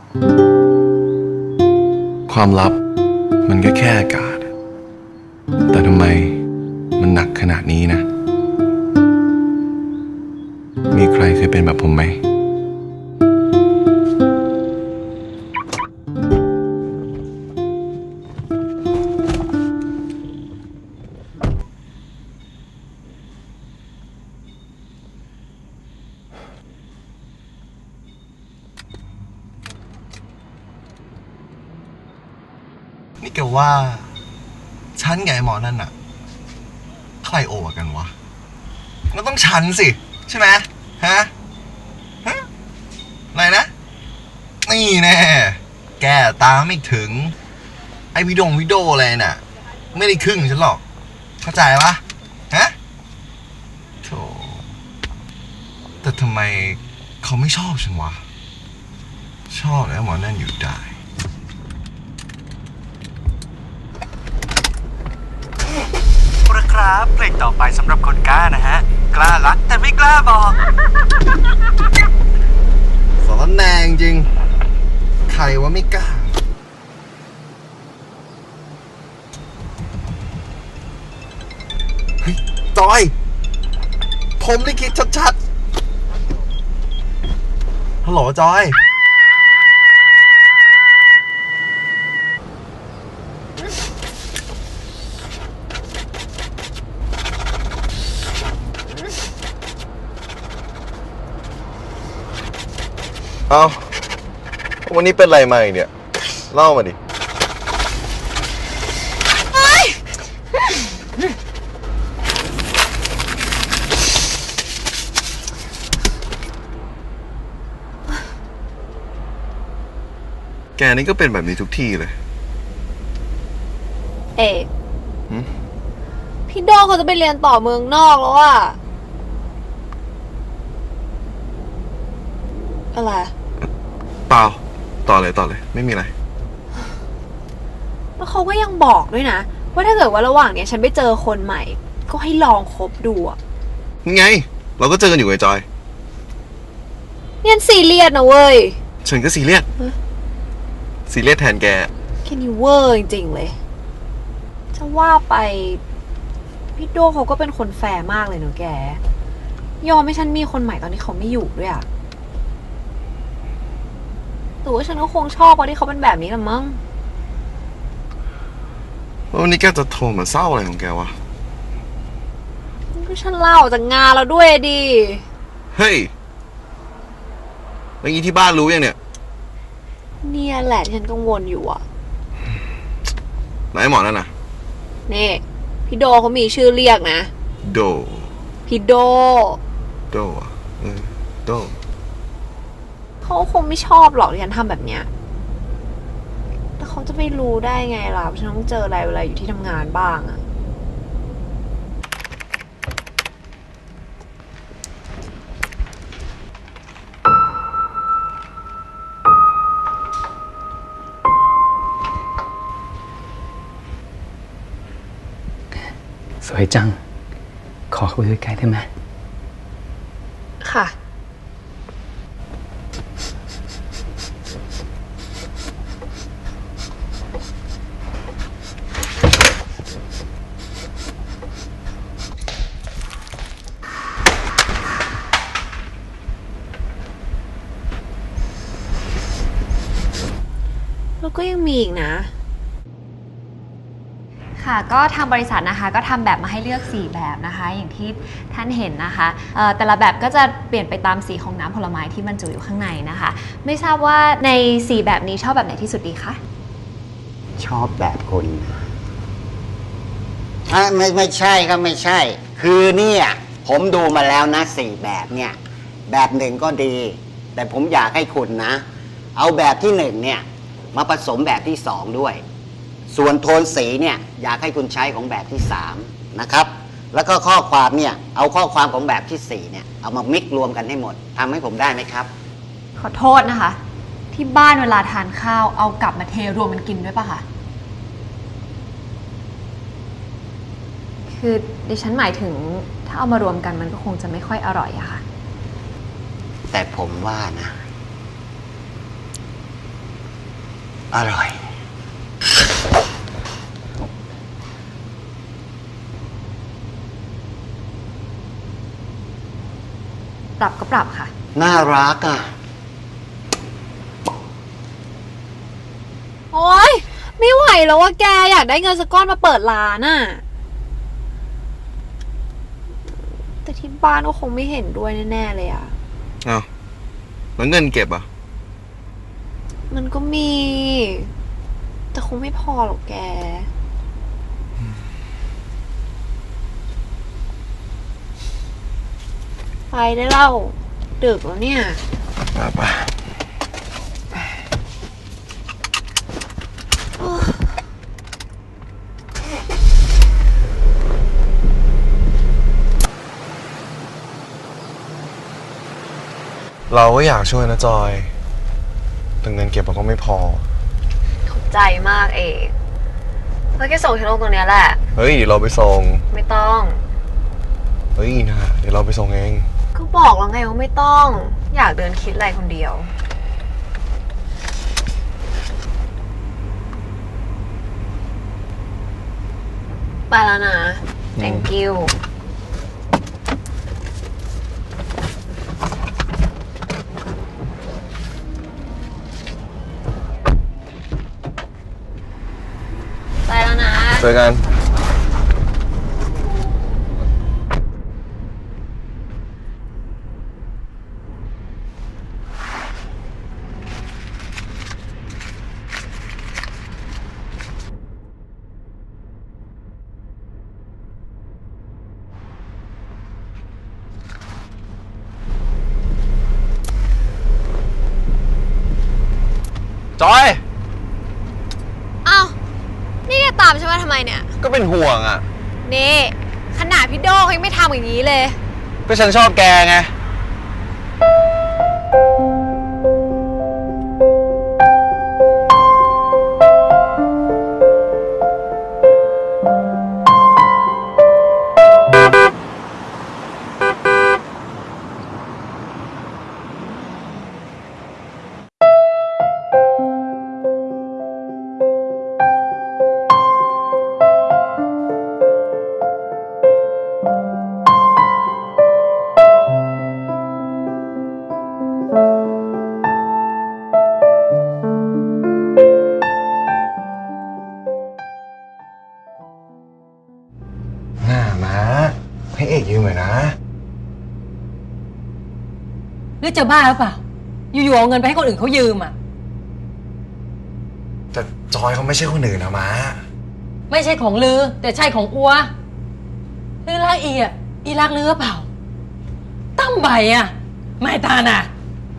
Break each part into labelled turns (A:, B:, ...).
A: ความลับมันก็แค่อากาศแต่ทำไมมันหนักขนาดนี้นะมีใครเคยเป็นแบบผมไหม
B: นี่แกว่าฉันกับไอ้หมอนั่นน่ะใครโอกันวะมันต้องฉันสิใช่ไหมฮะอะไรนะนี่แน่แกตามไม่ถึงไอ้วิดีโออะไรน่ะไม่ได้ครึ่งฉันหรอกเข้าใจปะฮะโธ่แต่ทำไมเขาไม่ชอบฉันวะชอบไอ้หมอนั่นอยู่ได้
C: ครับเพลงต่อไปสำหรับคนกล้านะฮะกล้ารักแต่ไม่กล้าบอก
B: สารแนงจริงใครว่าไม่กล้าเฮ้ยจอยผมได้คิดชัดๆฮัลโหลจอยเอาวันนี้เป็นไรมาอีกเนี่ยเล่ามาดิแกนี่ก็เป็นแบบนี้ทุกที่เลย
D: เอกพี่โดเขาจะไปเรียนต่อเมืองนอกแล้วอะอะไร
B: เปล่าต่อเลยไม่มีอะไร
D: แล้วเขาก็ยังบอกด้วยนะว่าถ้าเกิดว่าระหว่างเนี้ยฉันไปเจอคนใหม่ก็ให้ลองคบดูอะ
B: นี่ไงเราก็เจอกันอยู่ไงจอย
D: เนี่ยซีเรียสนะเว้ย
B: ฉันก็ซีเรียสแทนแก
D: แค่นี้เวอร์จริงๆเลยจะว่าไปพี่โดเขาก็เป็นคนแฟร์มากเลยเนอะแกยอมให้ฉันมีคนใหม่ตอนที่เขาไม่อยู่ด้วยอะแต่ว่าฉันก็คงชอบเพราะที่เขาเป็นแบบนี้ละมั้ง
B: วันนี้แกจะโทรมาเศร้าอะไรของแกวะ
D: ก็ฉันเล่าจากงานแล้วด้วยดิ
B: เฮ้ยแล้วงี้ที่บ้านรู้ยังเนี่ย
D: เนี่ยแหละที่ฉันกังวลอยู่อะ
B: ไหนหมอนั่นน่ะ
D: นี่พี่โดเขามีชื่อเรียกนะ
B: โด
D: พี่โด
B: อะโด
D: เขาคงไม่ชอบหรอกที่ฉันทำแบบเนี้ยแต่เขาจะไม่รู้ได้ไงล่ะฉันต้องเจออะไรเวลาอยู่ที่ทำงานบ้างอะ
C: สวยจังขอเข้าไปใกล้ได้ไหม
D: ค่ะแล้วก็ยังมีอีกนะค่ะก็ทางบริษัทนะคะก็ทำแบบมาให้เลือก4แบบนะคะอย่างที่ท่านเห็นนะคะแต่ละแบบก็จะเปลี่ยนไปตามสีของน้ำผลไม้ที่บรรจุอยู่ข้างในนะคะไม่ทราบว่าใน4แบบนี้ชอบแบบไหนที่สุดดีคะ
E: ชอบแบบคุณไม่ใช่ครับไม่ใช่คือเนี่ยผมดูมาแล้วนะ4แบบเนี่ยแบบหนึ่งก็ดีแต่ผมอยากให้คุณนะเอาแบบที่1เนี่ยมาผสมแบบที่2ด้วยส่วนโทนสีเนี่ยอยากให้คุณใช้ของแบบที่3นะครับแล้วก็ข้อความเนี่ยเอาข้อความของแบบที่4เนี่ยเอามามิกรวมกันให้หมดทำให้ผมได้ไหมครับ
D: ขอโทษนะคะที่บ้านเวลาทานข้าวเอากลับมาเทรวมกันกินด้วยป่ะคะคือดิฉันหมายถึงถ้าเอามารวมกันมันก็คงจะไม่ค่อยอร่อยอะค่ะ
E: แต่ผมว่านะอร่อย
D: ปรับก็ปรับค่ะ
E: น่ารักอ่ะ
D: โอ๊ยไม่ไหวแล้วว่าแกอยากได้เงินสักก้อนมาเปิดร้านอะแต่ที่บ้านก็คงไม่เห็นด้วยแน่ๆเลยอะ
A: อ้าวแล้วเงินเก็บอ่ะ
D: มันก็มี แต่คงไม่พอหรอกแก ไปได้เล่าดึกแล้วเนี่ย
A: ไปเราก็อยากช่วยนะจอยแต่เงินเก็บเราก็ไม่พอ
D: ขอบใจมากเอกแล้วแกส่งฉันลงตรงเนี้ยแหละ
A: เฮ้ยเดี๋ยวเราไปส่ง
D: ไม่ต้อง
A: เฮ้ยนะเดี๋ยวเราไปส่งเอง
D: ก็บอกแล้วไงว่าไม่ต้อง อยากเดินคิดอะไรคนเดียว ไปแล้วนะ thank you ไปแล้วนะ
A: เจอกัน จอย
D: อ้าว นี่แกตามฉันมาทำไมเนี่ย
A: ก็เป็นห่วงอ่ะ
D: นี่ขนาดพี่โดเขายังไม่ทำอย่างนี้เลย
A: ก็ฉันชอบแกไง หน้ามาให้เอกยืมหน่อยนะ
F: หรือจะบ้าหรือเปล่า อยู่ๆเอาเงินไปให้คนอื่นเขายืมอ่ะ
A: แต่จอยเขาไม่ใช่คนอื่นนะมา
F: ไม่ใช่ของลือ แต่ใช่ของอัวลือรักอีรักลือเปล่า ตั้มใบอ่ะ ไม่ตาน่ะ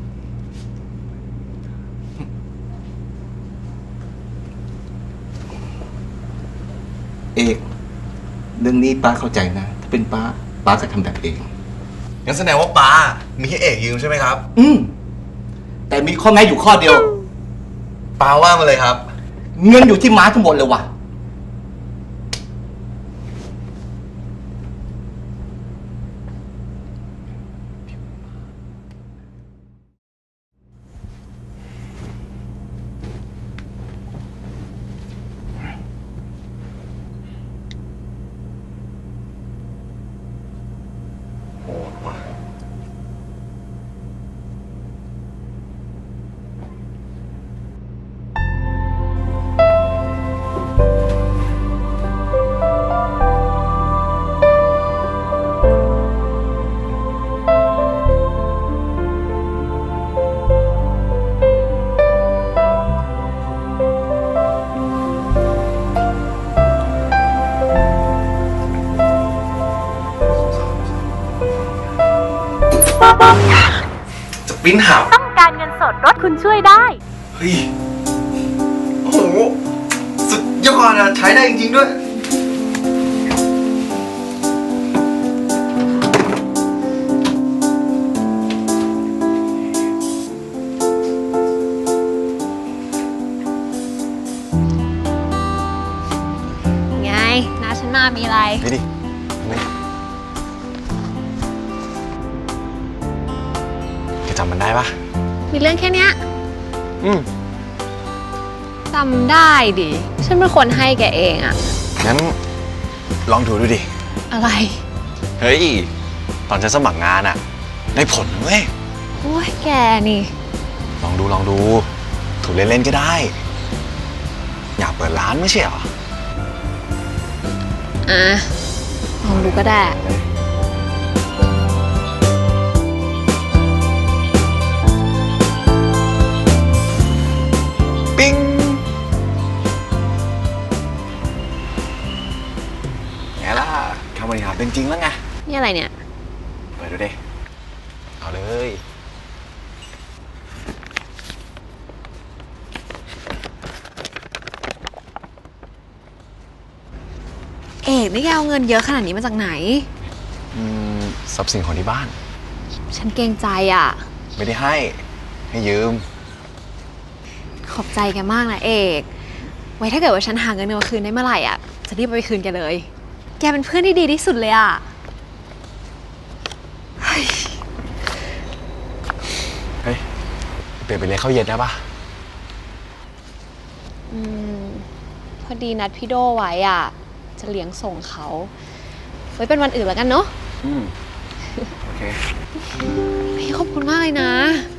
G: เอกเรื่องนี้ป้าเข้าใจนะ ถ้าเป็นป้าจะทำแบบเอง
A: งั้นแสดงว่าป้ามีให้เอกยืมใช่ไหมครับ
G: แต่มีข้อแม้อยู่ข้อเดียว
A: ป้าว่ามาเลยครับ
G: เงินอยู่ที่ม้าทั้งหมดเลยว่ะ
A: จะปิ้นหา
H: ต้องการเงินสดรถคุณช่วยได้
A: เฮ้ย โอ้โห สุดยอดอะใช้ได้จริงๆด้วย
D: ไงน้าฉันมามีอะไร
A: นี่ดินี่แกจำมันได้ปะ
D: มีเรื่องแค่เนี้ย
A: อืม
D: จำได้ดิ ฉันเป็นคนให้แกเองอะ
A: งั้นลองดูดิ
D: อะไร
A: เฮ้ย ตอนฉันสมัครงานอะได้ผลเว้ย
D: โอ้ยแกนี่
A: ลองดู ถูกเล่นๆก็ได้ อยากเปิดร้านไม่ใช่เหรอ
D: อ่ะ ลองดูก็ได้
A: ปิ้งไงล่ะคำบริหารเป็นจริงแล้วไง
D: นี่อะไรเนี่ย
A: เปิดดูดิ เอาเลย
D: เอกนี่แกเอาเงินเยอะขนาดนี้มาจากไหน
A: ทรัพย์สินของที่บ้าน
D: ฉันเกรงใจอ่ะ
A: ไม่ได้ให้ยืม
D: ขอบใจแกมากนะเอก ไว้ถ้าเกิดว่าฉันหาเงินมาคืนได้เมื่อไหร่อ่ะ จะรีบเอาไปคืนแกเลย แกเป็นเพื่อนที่ดีที่สุดเลยอ่ะ
A: เฮ้ย เปลี่ยนไปเลยนข้าวเย็นได้ปะ
D: พอดีนัดพี่โดไว้อ่ะ จะเลี้ยงส่งเขา ไว้เป็นวันอื่นแล้วกันเนาะ
A: โอเค
D: พี่ขอบคุณมากเลยนะ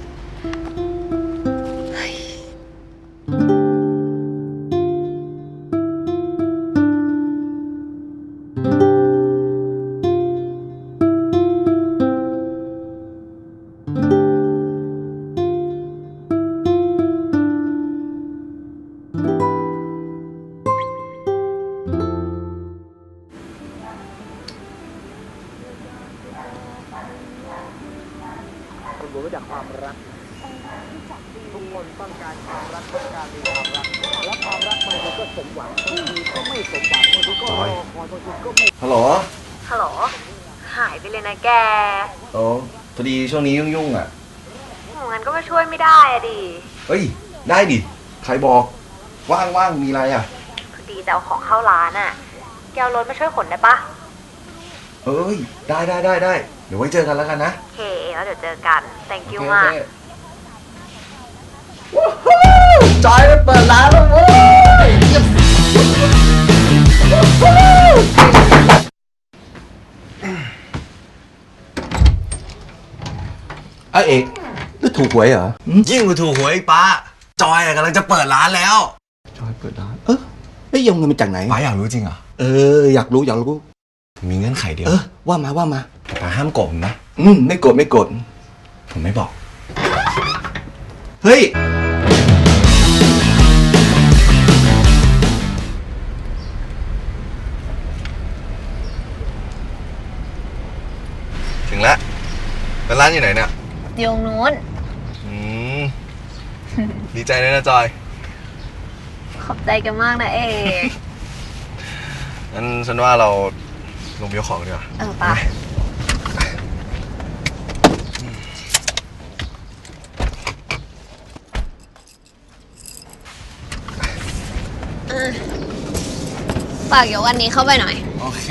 B: ฮัลโหล
D: ฮัลโหล หายไปเลยนะแก
B: โอ้พอดีช่วงนี้ยุ่งๆอ่ะ
D: งั้นก็มาช่วยไม่ได้อะดิ
B: เฮ้ย ได้ดิ ใครบอก ว่างๆ มีอะไรอ่ะ
D: พอดีจะเอาของเข้าร้านอะแกเอารถมาช่วยขนได้ปะ
B: เอ้ย ได้ เดี๋ยวไว้เจอกันแล้วกันนะ
D: โอเค แล้วเดี๋ยวเจอกัน thank you
B: โอเค
D: มาก
B: จอยได้เปิดร้านแล้วเว้ยเอกนี่ถูกหวยเหรอ
A: ยิ่งกว่าถูกหวยอีกป้า จอยกำลังจะเปิดร้านแล้ว
G: จอยเปิดร้านไม่ยงเงินมาจากไหน
A: ป้าอยากรู้จริงเหรอ
G: อยากรู้
A: มีเงื่อนไขเดียว
G: ว่ามา
A: ป้าห้ามโกงนะ
G: ไม่โกรธ
A: ผมไม่บอก
G: เฮ้ย
B: ถึงแล้วเป็นร้านอยู่ไหนเนี่ย
D: โยงนู้น
B: ดีใจเลยนะจอย
D: ขอบใจกันมากนะเอก
B: งั้นฉันว่าเราลงไปยกของดีกว่า
D: ไปฝากยกอันนี้เข้าไปหน่อย
A: โอเค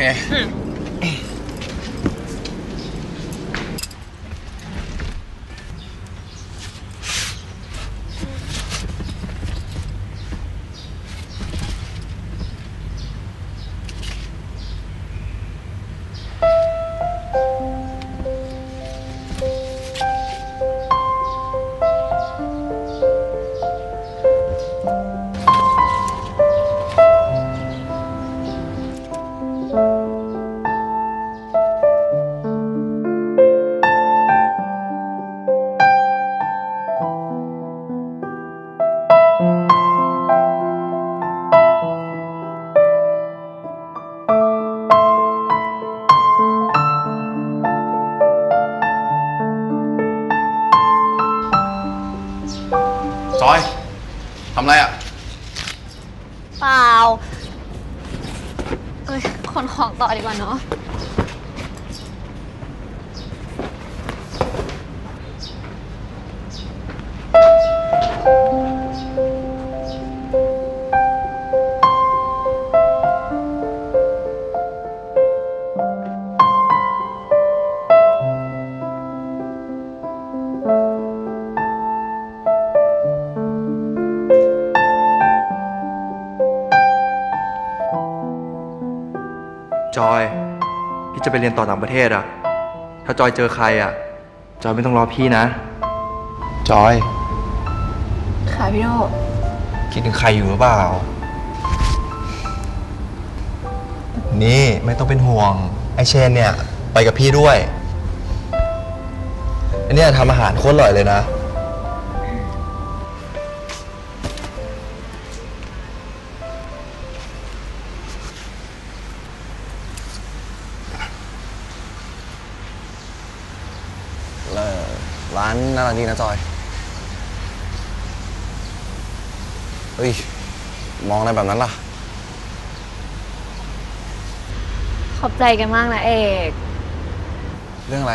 A: จอย ทำไรอ่ะ
D: เปล่า ขนของต่อดีกว่าเนาะ
I: จอย พี่จะไปเรียนต่อต่างประเทศอะถ้าจอยเจอใครอะจอยไม่ต้องรอพี่นะ
A: จอย
D: ค่ะพี่โด
B: คิดถึงใครอยู่หรือเปล่า นี่ไม่ต้องเป็นห่วง ไอเชนเนี่ยไปกับพี่ด้วยอันนี้ทำอาหารโคตรอร่อยเลยนะร้านน่ารักดีนะจอย เฮ้ย มองอะไรแบบนั้นล่ะ
D: ขอบใจกันมากนะเอก
B: เรื่องอะไร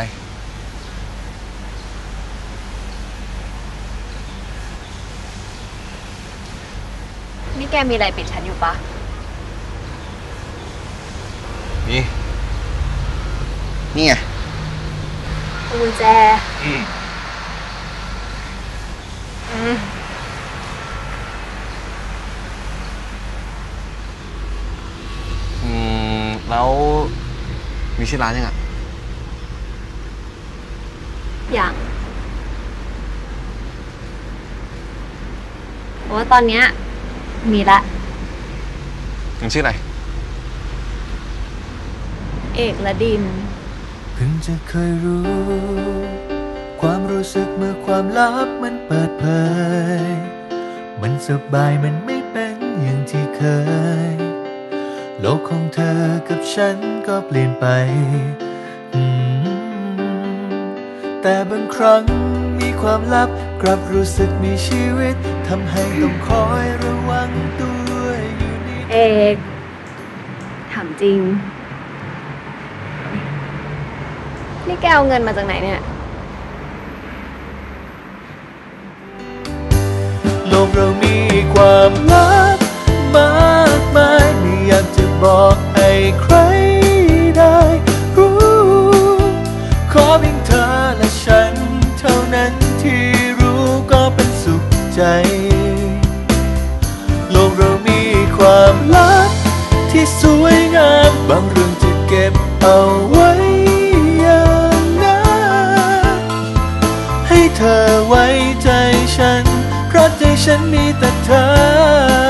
D: นี่แกมีอะไรปิดฉันอยู่ปะ
B: นี่ไง
D: กุญแจ
B: แล้วมีชื่อร้านยังอ่ะ
D: อย่างเพราะว่าตอนเนี้ยมีละ
B: ยังชื่ออะไร
D: เอกและดิน
J: เพิ่งจะเคยรู้ ความรู้สึกเมื่อความลับมันเปิดเผย มันสบายมันไม่เป็นอย่างที่เคย โลกของเธอกับฉันก็เปลี่ยนไปแต่บางครั้งมีความลับกลับรู้สึกมีชีวิตทำให้ต้องคอยระวังตัวอยู่นี่
D: เอกถามจริง นี่แกเอาเงินมาจากไหนเนี่ย
J: โลกเรามีความลับมากมายไม่อยากจะบอกให้ใครได้รู้ขอเพียงเธอและฉันเท่านั้นที่รู้ก็เป็นสุขใจโลกเรามีความลับที่สวยงามบางเรื่องจะเก็บเอาไว้อย่างนั้นให้เธอไว้ใจฉันเพราะใจฉันมีแต่เธอ